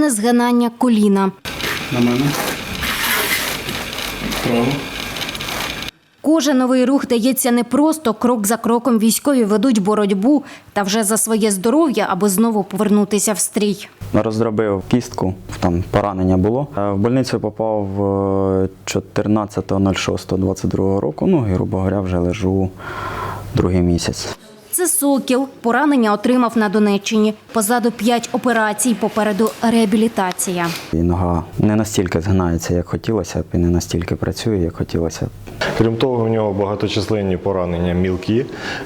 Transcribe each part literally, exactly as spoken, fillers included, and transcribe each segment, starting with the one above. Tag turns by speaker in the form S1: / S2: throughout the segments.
S1: періодичне згинання коліна.
S2: На мене. Право.
S1: Кожен новий рух дається непросто, крок за кроком військові ведуть боротьбу та вже за своє здоров'я, аби знову повернутися в стрій.
S3: Роздробив кістку, там поранення було. В больницю попав чотирнадцятого шостого двадцять другого року, ну і, грубо говоря, вже лежу другий місяць.
S1: Це Сокіл. Поранення отримав на Донеччині. Позаду п'ять операцій, попереду реабілітація.
S3: І нога не настільки згинається, як хотілося б, і не настільки працює, як хотілося б.
S4: Крім того, в нього багаточисленні поранення мілкі,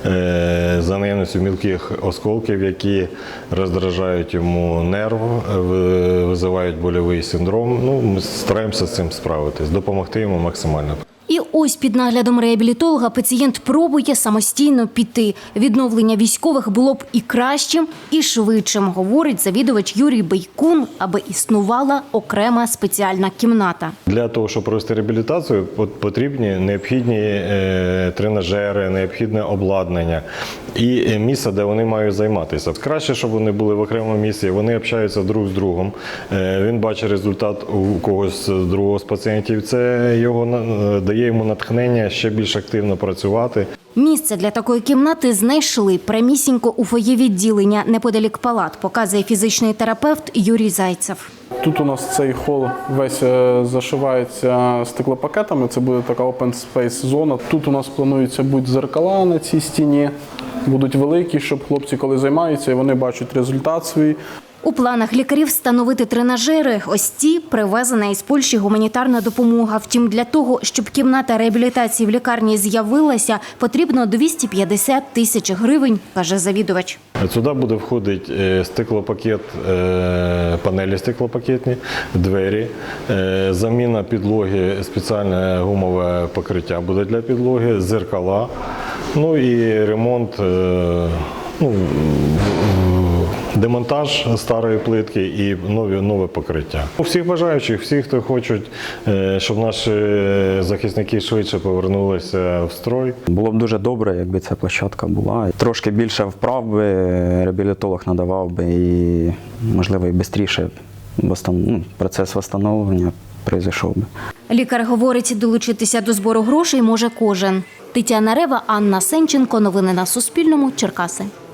S4: за наявністю мілких осколків, які роздражають йому нерв, визивають больовий синдром. Ну, ми стараємося з цим справитись, допомогти йому максимально.
S1: І ось під наглядом реабілітолога пацієнт пробує самостійно піти. Відновлення військових було б і кращим, і швидшим, говорить завідувач Юрій Бейкун, аби існувала окрема спеціальна кімната.
S4: Для того, щоб провести реабілітацію, потрібні необхідні тренажери, необхідне обладнання і місце, де вони мають займатися. Краще, щоб вони були в окремому місці, вони общаються друг з другом. Він бачить результат у когось з другого з пацієнтів. Це його дає йому натхнення ще більш активно працювати.
S1: Місце для такої кімнати знайшли прямісінько у фоє відділення неподалік палат, показує фізичний терапевт Юрій Зайцев.
S2: Тут у нас цей хол весь зашивається стеклопакетами, це буде така open space зона. Тут у нас планується бути дзеркала на цій стіні, будуть великі, щоб хлопці, коли займаються, і вони бачать результат свій.
S1: У планах лікарів встановити тренажери. Ось ці привезена із Польщі гуманітарна допомога. Втім, для того, щоб кімната реабілітації в лікарні з'явилася, потрібно двісті п'ятдесят тисяч гривень, каже завідувач.
S4: Сюди буде входити стеклопакет, панелі стеклопакетні, двері, заміна підлоги, спеціальне гумове покриття буде для підлоги, зеркала, ну і ремонт, ну, демонтаж старої плитки і нові, нове покриття. У всіх бажаючих, всі, хто хочуть, щоб наші захисники швидше повернулися в строй.
S3: Було б дуже добре, якби ця площадка була. Трошки більше вправ би реабілітолог надавав би і, можливо, і швидше процес відновлення пройшов би.
S1: Лікар говорить, долучитися до збору грошей може кожен. Тетяна Рева, Анна Сенченко. Новини на Суспільному. Черкаси.